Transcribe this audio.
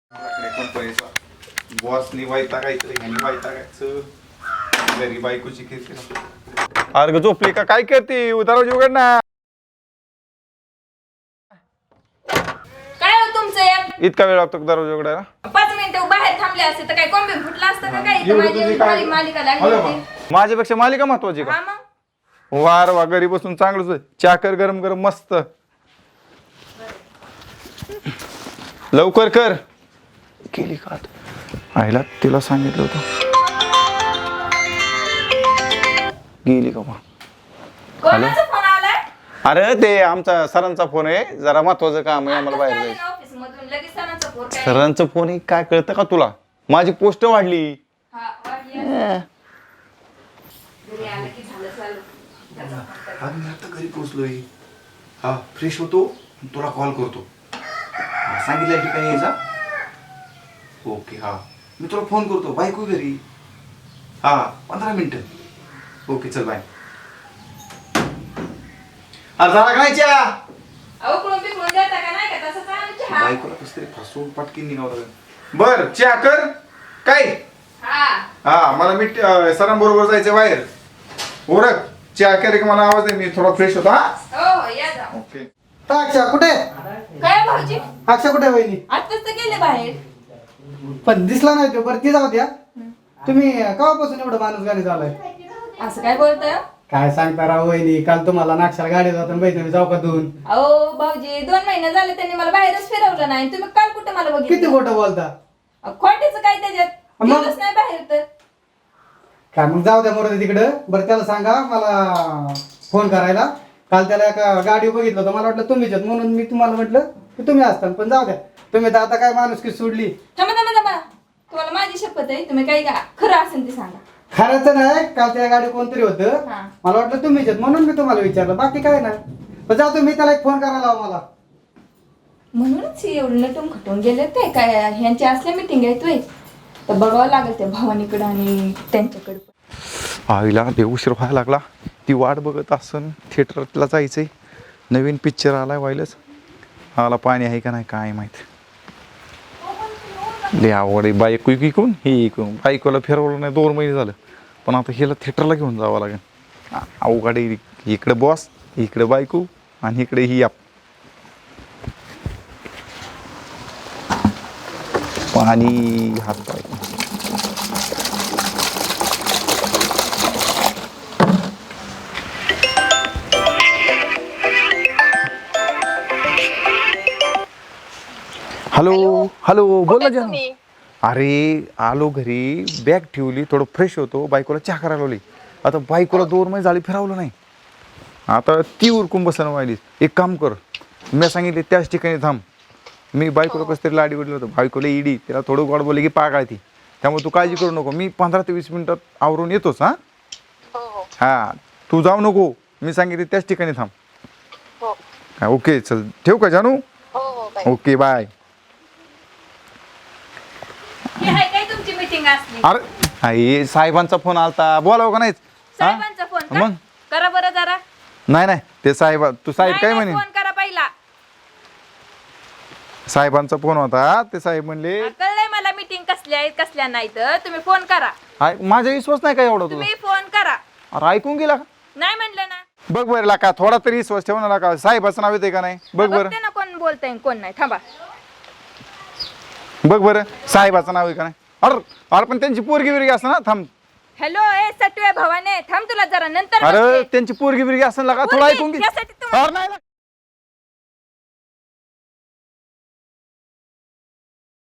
कंपनीचा बॉसनी वैतागायचं ह्यांनी वैतागायचं घरी बायकोची किरकिर. अरे झोपली का काय करते दरवाजा उघड ना. काय हो तुमचं इतका वेळ लागतो दरवाजा उघडायला. 5 मिनिटं बाहेर थांबले असते तर काय कोंबे फुटला असतं का काय? इथं माझी एवढी भारी मालिका लागली होती. माझ्यापेक्षा मालिका महत्वाची हा का? मग वार वा घरी बसून चांगलंच चहा कर गरम गरम मस्त लवकर कर. केली का आईला तिला सांगितलं होतं गेली का मग? कोणाचा फोन आलाय? अरे ते आमचा सरांचा फोन आहे जरा महत्वाचं काम आहे आम्हाला बाहेर जायचं. ऑफिस मधून लगेच सणाचा फोन काय? सरांचा फोन आहे काय कळतं का तुला? माझी पोस्ट वाढली. हा वाटली असं. घरी आलं की झालं चालू. त्याचा फोन कर. मी आता घरी पोहोचलोय. हा फ्रेश होतो तुला कॉल करतो. सांगितलं ठिकाणी यायचा. ओके हा मी तुला फोन करतो बायको घरी. हा 15 मिनिटं. ओके चल बाय. अरे झाला काय चहा? अहो कोण बिकळून देता का नाही का? तसंच आम्ही चहा. बायकोला कसं तरी फसवून पटकीन निघावं. बर चहा कर काय. हा हा मला मी सरांबरोबर जायचं बाहेर. ओरख चहा कर की मला आवाज दे मी थोडा फ्रेश होतो. हा हो हो या जा. ओके. अक्षा कुठे? काय भाऊजी? अक्षा कुठे वहिनी? आताच तर गेले बाहेर. पण दिसला नाही तो. बरं ती जाऊ द्या. तुम्ही केव्हापासून एवढं माणूस गाडी झालाय? असं काय बोलतोय? काय सांगता राव वहिनी, काल तुम्हाला नाक्षाला गाडी जाताना बैठक चौकातून. अहो भाऊजी 2 महिने झाले त्यांनी मला बाहेरच फिरवलं नाही. तुम्ही काल कुठे मला किती बघितलं? खोटं बोलता? खोटीचं काय त्याच्यात? मग? गेलोच नाही बाहेर तर. काय मग जाऊ द्या मोरं तिकडं. बरं त्याला सांगा मला फोन करायला. काल त्याला एका गाडी बघितलं होतं मला वाटलं तुम्हीच आहेत, म्हणून मी तुम्हाला म्हटलं की तुम्ही असता. पण जाऊ द्या, तुम्ही तर आता काय माणूस की सोडली. थांबा थांबा थांबा. तुम्हाला माझी शपथ आहे, तुम्ही काही का खरं असेल ते सांगा. खरंच नाही, काल त्या गाडी कोणतरी होतं हा. मला वाटलं तुम्हीच आहेत, म्हणून मी तुम्हाला विचारलं. बाकी काय नाही. पण जाऊ तुम्ही त्याला एक फोन करायला लावा मला. म्हणूनच हे एवढं नटून खटून गेले ते काय ह्यांची असल्या मिटिंग आहे तू तर बघावं लागेल त्या भवानीकडं आणि त्यांच्याकडं. आईला देव उशीर व्हायला लागला. ती वाट बघत असन थिएटरला जायचंय. नवीन पिक्चर आलाय व्हायलाच. आला पाणी आहे का नाही काय माहित. लय आवड आहे बायको इकून ही इकून. बायकोला फिरवलं नाही 2 महिने झालं. पण आता हिला थिएटरला घेऊन जावं लागेल. अवघड आहे. इकडे बॉस इकडे बायको आणि इकडे ही आप पाणी हात पाय. हॅलो हॅलो बोल ना जानू. अरे आलो घरी बॅग ठेवली थोडं फ्रेश होतो. बायकोला चहा करायला लावली. आता बायकोला 2 महिने झाले फिरवलं नाही. आता ती उरकून बसायला व्हायली. एक काम कर मी सांगितले त्याच ठिकाणी थांब. मी बायकोला कसं तरी लाडी उडलं होतं. बायकोला इडी त्याला थोडं गोड बोलले की पागाळती. त्यामुळे तू काळजी करू नको. मी 15 ते 20 मिनिटात आवरून येतोच. हा हा तू जाऊ नको. मी सांगितले त्याच ठिकाणी थांब. ओके चल ठेवू का जानू? Okay bye. हे आहे काय तुमची मीटिंग असली? अरे आई साहेबांचा फोन आलता बोलावं का नाहीच? साहेबांचा फोन का? मग करा बरं जरा. नाही नाही ते साहेब तू साहेब काय म्हणे? फोन करा पहिला. साहेबांचा फोन होता ते साहेब म्हणले कळलंय मला मीटिंग कसल्या आहेत कसल्या नाही तर तुम्ही फोन करा. माझा विश्वास नाही का एवढा तुझा? तुम्ही फोन करा. अरे ऐकून गेला का? नाही म्हणलं ना. बघ बरं लाका थोडा तरी विश्वास ठेव ना लाका. साहेबाचं नाव येते का नाही बघ बरं. बघते ना कोण बोलतंय कोण नाही. थांबा बघ बरं साहेबाचं नाव आहे का नाही. अरे अरे पण त्यांची पोरगी बिरगी असं ना थांब. हॅलो ए सटवे भवाने थांब तुला जरा नंतर अरे बघते. त्यांची पोरगी बिरगी असं लाका थोडं पोरगी, ऐकून घे. यासाठी तुम्हाला- अरे नाही